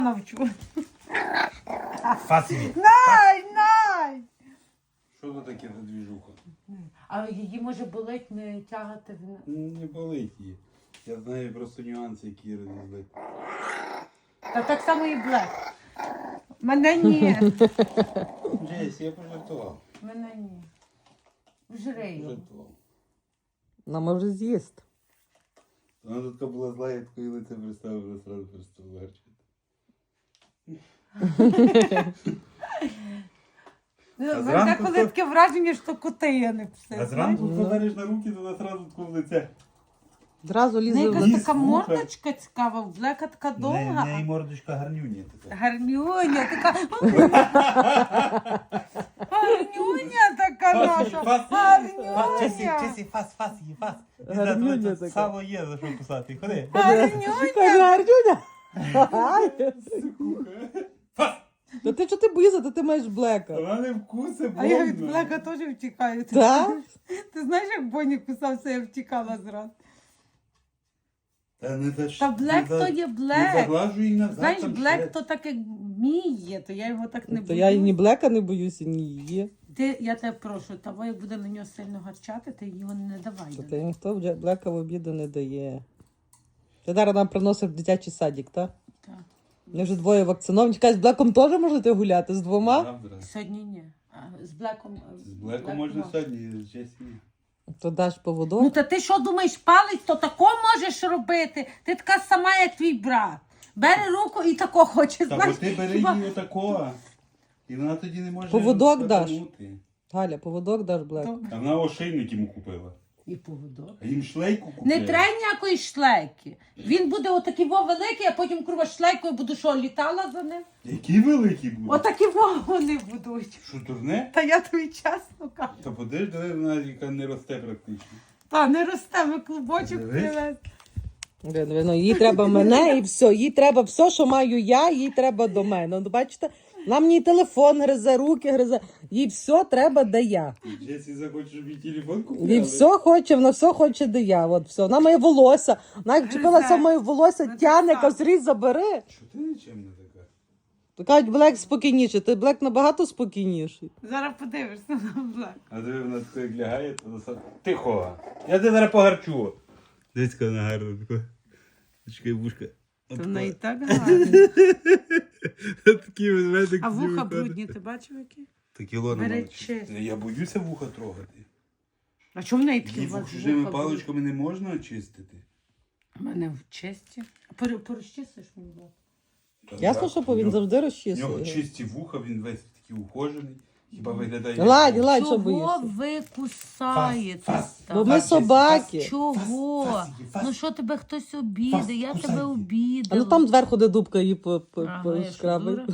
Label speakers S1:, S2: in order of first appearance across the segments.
S1: навчу.
S2: Фасі.
S1: Най!
S2: Що це таке за двіжуха?
S1: А її може болить не тягати в...
S2: Не болить її. Я знаю просто нюанси, які розізли.
S1: Та так само і Блек. Мене ні.
S2: Джесі, я пожартував.
S1: Мене ні. Жри його.
S2: Пожартував.
S3: Вона може з'їсти.
S2: Вона тут була зла, я таке лице представив, вже одразу перестав гарчити.
S1: Мене коли таке враження, що коти я не пси.
S2: А зранку подариш на руки, то вона одразу таке в лице.
S3: Зразу лізе в
S1: Якась
S3: лице.
S1: така мордочка цікава, в Блека така
S2: В
S1: довга.
S2: неї мордочка гарнюня така.
S1: Гарнюня така. Гарнюня така наша.
S2: Чесі, фас, її фас.
S3: Гарнюня така.
S2: Сало є, за що кусати. Ходи.
S3: Каже, Артюня.
S2: Фас!
S3: Та ти чого ти боїшся, та ти маєш Блека.
S2: Вона не вкусе,
S1: А я від
S2: больно.
S1: Блека теж втікаю.
S3: Так?
S1: Ти знаєш, як Боні кусався, я втікала зразу.
S2: Та не
S1: Та Блек то є
S2: Не
S1: Блек.
S2: заглажуй її назад.
S1: Знаєш,
S2: там
S1: Блек
S2: ще.
S1: то так як міє, то я його так не
S3: То я і ні
S1: боюсь.
S3: Блека не боюся, ні її.
S1: Я тебе прошу, того як буде на нього сильно гарчати, ти його не давай.
S3: Та ніхто Блека в обіду не дає. Ти зараз нам приносив в дитячий садик, так?
S1: Так.
S3: Вони вже двоє вакциновані. Чекай, з Блеком теж можете гуляти? З двома?
S2: Завтра.
S1: Сьогодні ні. А з Блеком...
S2: З Блеком можна сьогодні, з Джесі ні.
S3: То даш поводок.
S1: Ну та ти що думаєш, палець, то тако можеш робити? Ти така сама, як твій брат. Бери руку і тако хоче,
S2: Та бо
S1: знаєш.
S2: ти бери
S1: хіба-
S2: її отакого. І вона тоді не може
S3: Поводок даш?
S2: скаканути.
S3: Галя, поводок даш Блеку.
S2: А вона ошейник йому купила.
S1: І поводок.
S2: А їм шлейку купила.
S1: Не треба ніякої шлейки. Він буде отакий великий, а потім курва шлейкою буду що, літала за ним?
S2: Які великі будуть?
S1: Отакі вони будуть.
S2: Що, турне?
S1: Та я тобі чесно кажу.
S2: Та подивись, де вона, яка не росте практично.
S1: Та не росте, ми клубочок
S2: Дивись.
S1: привезли.
S3: Ну, їй треба мене і все. Їй треба все, що маю я, їй треба до мене. Ну, бачите, нам мені телефон гризе, руки гризе. Їй все треба, де я.
S2: Джесі захоче, щоб їй телефон купили.
S3: Їй все хоче, вона все хоче, де я. От все. Вона моє волосся. Вона як вчепилася в моє волосся,
S1: Ну,
S3: тягне,
S1: так.
S3: каже, різ забери.
S2: Що ти нічим не така?
S3: То кажуть, Блек спокійніший. Ти Блек набагато спокійніший.
S1: Зараз подивишся на Блек.
S2: А диви, вона тако як лягає, то вона тихо. Я тебе зараз погарчу. Дивись, яка вона гарна така. Чекай, вушка.
S1: То вона і так гарна.
S2: Такі ведмедик.
S1: А вуха брудні, ти бачив які?
S2: Такі лона
S1: Бери
S2: мала.
S1: чисто.
S2: Я боюся вуха трогати.
S1: А чому в неї такі
S2: Її
S1: вуха
S2: чужими
S1: брудні?
S2: паличками не можна очистити.
S1: У мене в чисті. Порозчистиш мені, Блек?
S3: Ясно, що він
S2: У
S3: завжди
S2: нього
S3: розчісує.
S2: чисті вуха, він весь такий ухожений. Хіба виглядає...
S3: Ладь, що
S1: Чого
S3: боїшся?
S1: ви кусаєте?
S2: Фас.
S3: Бо ми собаки.
S1: Чого?
S2: Фас, фас.
S1: Ну що тебе хтось обідає?
S2: Фас,
S1: Я
S2: кусай
S1: тебе
S2: її.
S3: А
S1: обідала.
S3: ну там зверху, де дубка її
S1: Ага, я що,
S3: шкрабить.
S1: дура?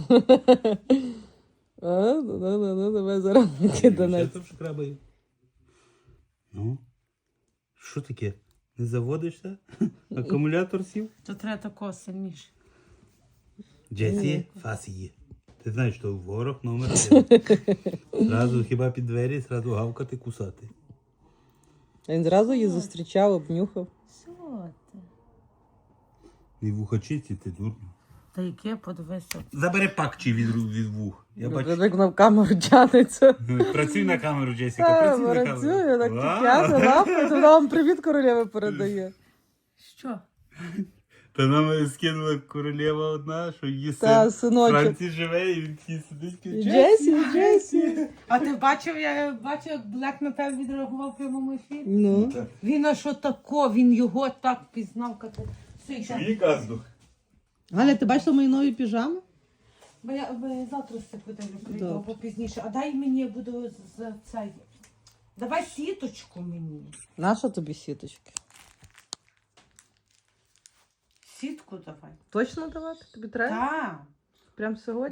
S3: Ну, давай зараз киданець.
S2: Що там шкрабає? Ну? Що таке? Не заводишся? Акумулятор сів?
S1: То треба такого сильніше.
S2: Джесі, фас її. Ти знаєш, що ворог номер 1. Зразу хіба під двері, зразу гавкати, кусати.
S3: Він зразу її зустрічав, обнюхав.
S1: Що ти?
S2: І вуха чисті, ти дурно.
S1: Та яке подивися.
S2: Забери пакчі від вух. Я бачу.
S3: Як вона в камеру тянеться.
S2: Працюй на камеру, Джесіка, працюй на камеру.
S3: Працює, так
S2: Вау.
S3: тягне лапою, то вона вам привіт королеви передає.
S1: Що?
S2: Та нам скинула королева одна, що її
S3: Та,
S2: син в
S3: синочок.
S2: Франції живе, і він такий сидить.
S3: І
S2: каже,
S3: Джесі.
S1: А ти бачив, я бачив, як Блек на тебе відреагував в прямому ефірі?
S3: Ну.
S1: Він а що тако, він його так пізнав, як ти.
S2: Чуї каздух?
S3: Галя, ти бачила мої нові піжами?
S1: Бо я завтра все подивлю, прийду,
S3: Добре.
S1: або пізніше. А дай мені, я буду за цей. Давай сіточку мені.
S3: Наша тобі сіточки?
S1: Сітку давай.
S3: Точно давати? Тобі треба?
S1: Так.
S3: Прям сьогодні?